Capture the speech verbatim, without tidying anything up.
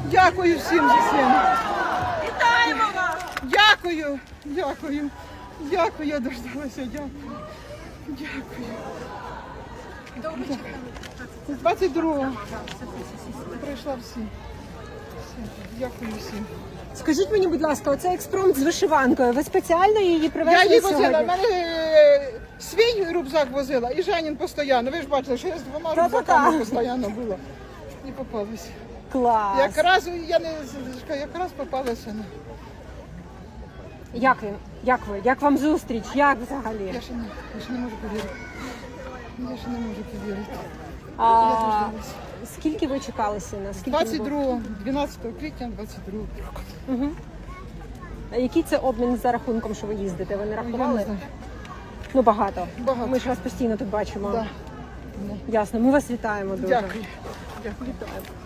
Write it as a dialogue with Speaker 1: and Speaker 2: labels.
Speaker 1: Дякую всім за це.
Speaker 2: Вітаємо вас!
Speaker 1: Дякую, дякую, дякую, я дождалася, дякую. Дякую. З двадцять другого прийшла всі. Дякую всім.
Speaker 3: Скажіть мені, будь ласка, оцей експромт з вишиванкою, ви спеціально її
Speaker 1: Я
Speaker 3: привезли
Speaker 1: її
Speaker 3: сьогодні?
Speaker 1: возила, в мене е, свій рюкзак возила і Жанін постійно. Ви ж бачили, що я з двома
Speaker 3: Та-та-та.
Speaker 1: рюкзаками постійно була. І попалася.
Speaker 3: Клас!
Speaker 1: Якраз я не якраз попалася на.
Speaker 3: Як він? Як ви? Як вам зустріч? Як взагалі?
Speaker 1: Я ще не, я ще не можу повірити. Я ще не можу повірити.
Speaker 3: А,
Speaker 1: Я дождалася.
Speaker 3: скільки ви чекали сина? Скільки ви
Speaker 1: двадцять другого, дванадцятого квітня, двадцять другого.
Speaker 3: були? Мгм. А який це обмін за рахунком, що ви їздите? Ви не
Speaker 1: Я
Speaker 3: рахували?
Speaker 1: не знаю.
Speaker 3: Ну багато.
Speaker 1: Багато.
Speaker 3: Ми ж вас постійно тут бачимо.
Speaker 1: Да.
Speaker 3: Ясно. Ми вас вітаємо дуже.
Speaker 1: Дякую. Дякую.
Speaker 3: Вітаємо.